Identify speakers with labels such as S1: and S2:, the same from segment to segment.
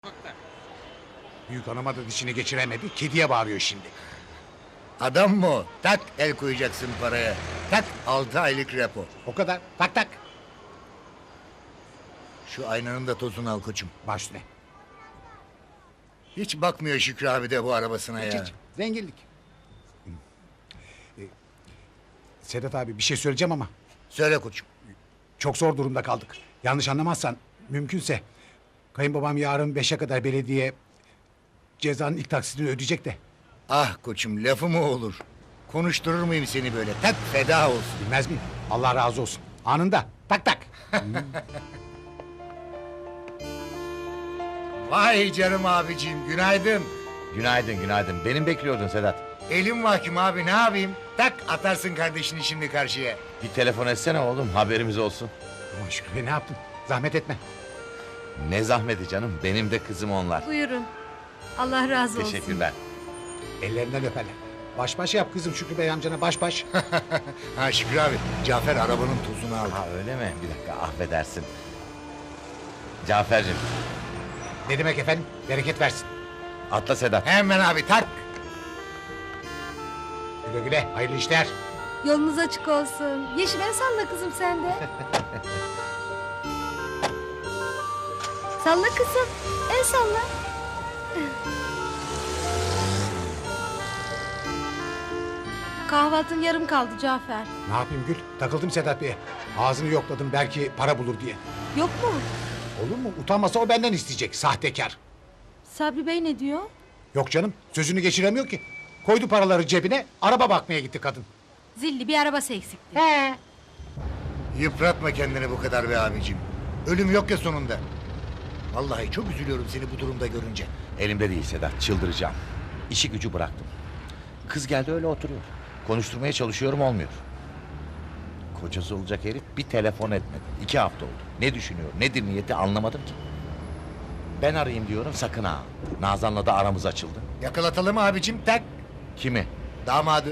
S1: Büyük hanıma da dişini geçiremedi. Kediye bağırıyor şimdi.
S2: Adam mı o? Tak el koyacaksın paraya. Tak 6 aylık repo.
S1: O kadar. Tak tak.
S2: Şu aynanın da tozunu al koçum.
S1: Baş üstüne.
S2: Hiç bakmıyor Şükrü abi de bu arabasına
S1: Hiç,
S2: ya.
S1: hiç. Zenginlik. Sedat abi bir şey söyleyeceğim ama
S2: Söyle koçum.
S1: çok zor durumda kaldık. Yanlış anlamazsan mümkünse kayınbabam yarın 5'e kadar belediye cezanın ilk taksitini ödeyecek de.
S2: Ah koçum lafı mı olur? Konuşturur muyum seni böyle? Tak feda olsun.
S1: Bilmez miyim? Allah razı olsun. Anında. Tak tak.
S2: Vay canım abicim günaydın.
S3: Günaydın, günaydın. Benim bekliyordun Sedat.
S2: Elim mahkum abi ne yapayım? Tak atarsın kardeşini şimdi karşıya.
S3: Bir telefon etsene oğlum, haberimiz olsun.
S1: Aman Şükrü Bey, ne yaptın? Zahmet etme.
S3: Ne zahmeti canım, benim de kızım onlar.
S4: Buyurun. Allah razı olsun.
S3: Teşekkürler.
S1: Ellerinden öperler. Baş baş yap kızım Şükrü Bey amcana baş baş.
S2: Ha Şükrü abi Cafer arabanın tozunu aldı.
S3: Ha öyle mi? Bir dakika, affedersin. Cafer'cim,
S1: Ne demek efendim? Bereket versin.
S3: atla Sedat.
S2: Hemen abi tak.
S1: Güle güle. Hayırlı işler.
S4: Yolunuz açık olsun. Yeşim el salla kızım sen de. Salla kızım. El salla. Kahvaltın yarım kaldı Cafer.
S1: Ne yapayım Gül? Takıldım Sedat Bey'e. Ağzını yokladım belki para bulur diye.
S4: Yok mu?
S1: Olur mu? Utanmasa o benden isteyecek. Sahtekar.
S4: Sabri Bey ne diyor?
S1: Yok canım. Sözünü geçiremiyor ki. Koydu paraları cebine. Araba bakmaya gitti kadın.
S4: Zilli bir arabası eksikti.
S2: Yıpratma kendini bu kadar be abicim. Ölüm yok ya sonunda. Vallahi çok üzülüyorum seni bu durumda görünce.
S3: Elimde değil Sedat, çıldıracağım. İşi gücü bıraktım. Kız geldi öyle oturuyor. Konuşturmaya çalışıyorum, olmuyor. Kocası olacak herif bir telefon etmedi. 2 hafta oldu. Ne düşünüyor, nedir niyeti anlamadım ki. Ben arayayım diyorum, sakın ha. Nazan'la da aramız açıldı.
S2: Yakalatalım abicim tak.
S3: Kimi?
S2: Damadı.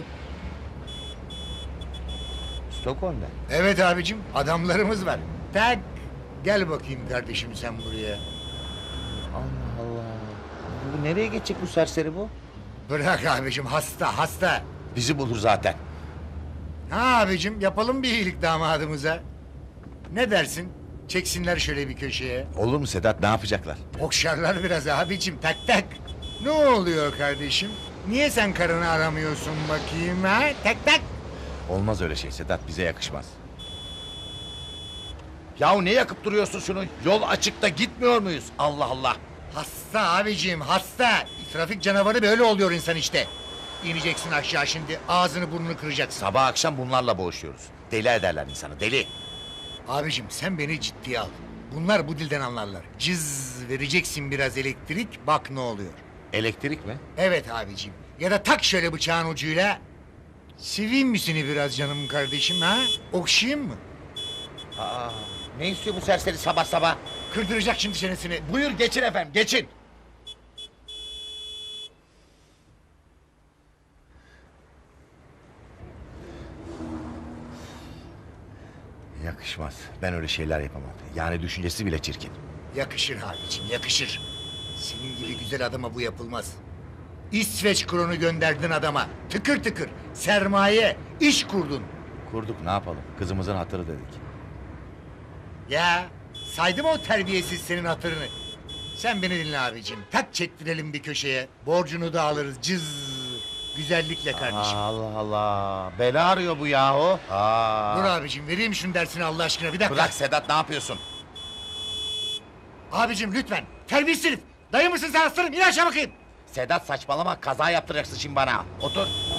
S3: Stockholm'da.
S2: Evet abicim adamlarımız var. Tak. Gel bakayım kardeşim sen buraya.
S3: Allah Allah. Bu nereye geçecek bu serseri bu?
S2: Bırak abicim hasta hasta.
S3: Bizi bulur zaten.
S2: Ha abicim yapalım bir iyilik damadımıza. Ne dersin? Çeksinler şöyle bir köşeye.
S3: Olur mu Sedat, ne yapacaklar?
S2: Okşarlar biraz abicim tak tak. Ne oluyor kardeşim? Niye sen karını aramıyorsun bakayım ha? Tak tak.
S3: Olmaz öyle şey Sedat, bize yakışmaz. Yahu ne yakıp duruyorsun şunu? Yol açıkta gitmiyor muyuz? Allah Allah.
S2: Hasta abicim hasta. Trafik canavarı böyle oluyor insan işte. İneceksin aşağı şimdi ağzını burnunu kıracaksın.
S3: Sabah akşam bunlarla boğuşuyoruz. Deli ederler insanı, deli.
S2: Abicim sen beni ciddiye al. Bunlar bu dilden anlarlar. Cız vereceksin biraz elektrik bak ne oluyor.
S3: Elektrik mi?
S2: Evet abicim. Ya da tak şöyle bıçağın ucuyla. Seveyim mi seni biraz canım kardeşim ha? Okşayayım mı?
S3: Aa, ne istiyor bu serseri sabah sabah?
S2: Kırdıracak şimdi çenesini.
S3: Buyur geçin efendim, geçin. Yakışmaz. Ben öyle şeyler yapamam. Yani düşüncesi bile çirkin.
S2: Yakışır abicim yakışır. Senin gibi güzel adama bu yapılmaz. İsveç kronu gönderdin adama. Tıkır tıkır. Sermaye. İş kurdun.
S3: Kurduk, ne yapalım? Kızımızın hatırı dedik.
S2: Ya saydım o terbiyesiz senin hatırını. Sen beni dinle abicim. Tak çektirelim bir köşeye. Borcunu da alırız. Cız. Güzellikle kardeşim.
S3: Allah Allah. Bela arıyor bu yahu.
S2: Dur abicim vereyim şunu dersini Allah aşkına bir dakika.
S3: Bırak Sedat, ne yapıyorsun?
S2: Abicim lütfen. Terbiyesiz herif. Dayı mısın sen aslanım? İn aşağı bakayım.
S3: Sedat saçmalama, kaza yaptıracaksın şimdi bana. Otur.